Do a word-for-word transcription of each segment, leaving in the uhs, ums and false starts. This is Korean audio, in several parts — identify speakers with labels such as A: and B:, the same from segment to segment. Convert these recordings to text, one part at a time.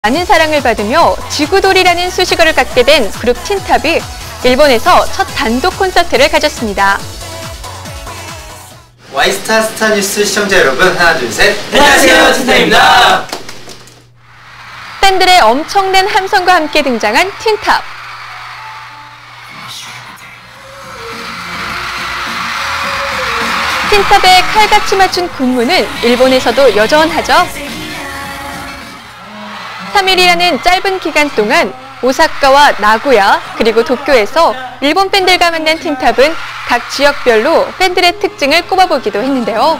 A: 많은 사랑을 받으며 지구돌이라는 수식어를 갖게 된 그룹 틴탑이 일본에서 첫 단독 콘서트를 가졌습니다.
B: 와이스타 스타뉴스 시청자 여러분, 하나 둘 셋.
C: 안녕하세요, 틴탑입니다.
A: 팬들의 엄청난 함성과 함께 등장한 틴탑. 틴탑의 칼같이 맞춘 군무는 일본에서도 여전하죠. 삼 일이라는 짧은 기간 동안 오사카와 나고야 그리고 도쿄에서 일본 팬들과 만난 틴탑은 각 지역별로 팬들의 특징을 꼽아보기도 했는데요.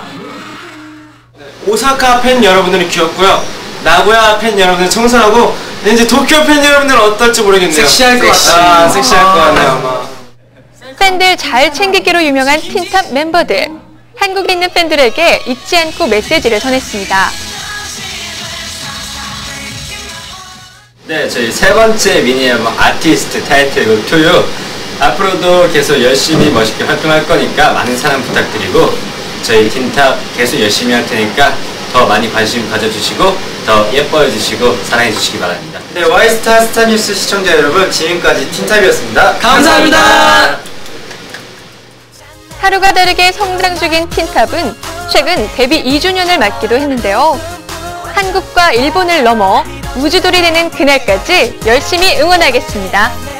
C: 오사카 팬 여러분들은 귀엽고요. 나고야 팬 여러분들은 청순하고, 이제 도쿄 팬 여러분들은 어떨지 모르겠네요.
B: 섹시할 것 같아요.
C: 아, 섹시할 것 같네요, 아마.
A: 팬들 잘 챙기기로 유명한 틴탑 멤버들. 한국에 있는 팬들에게 잊지 않고 메시지를 전했습니다.
D: 네, 저희 세 번째 미니 앨범 아티스트 타이틀곡 투유 앞으로도 계속 열심히 멋있게 활동할 거니까 많은 사랑 부탁드리고, 저희 틴탑 계속 열심히 할 테니까 더 많이 관심 가져주시고 더 예뻐해 주시고 사랑해 주시기 바랍니다.
B: 네, 와이스타 스타뉴스 시청자 여러분, 지금까지 틴탑이었습니다.
C: 감사합니다.
A: 하루가 다르게 성장 중인 틴탑은 최근 데뷔 이 주년을 맞기도 했는데요. 한국과 일본을 넘어 우주돌이 되는 그날까지 열심히 응원하겠습니다.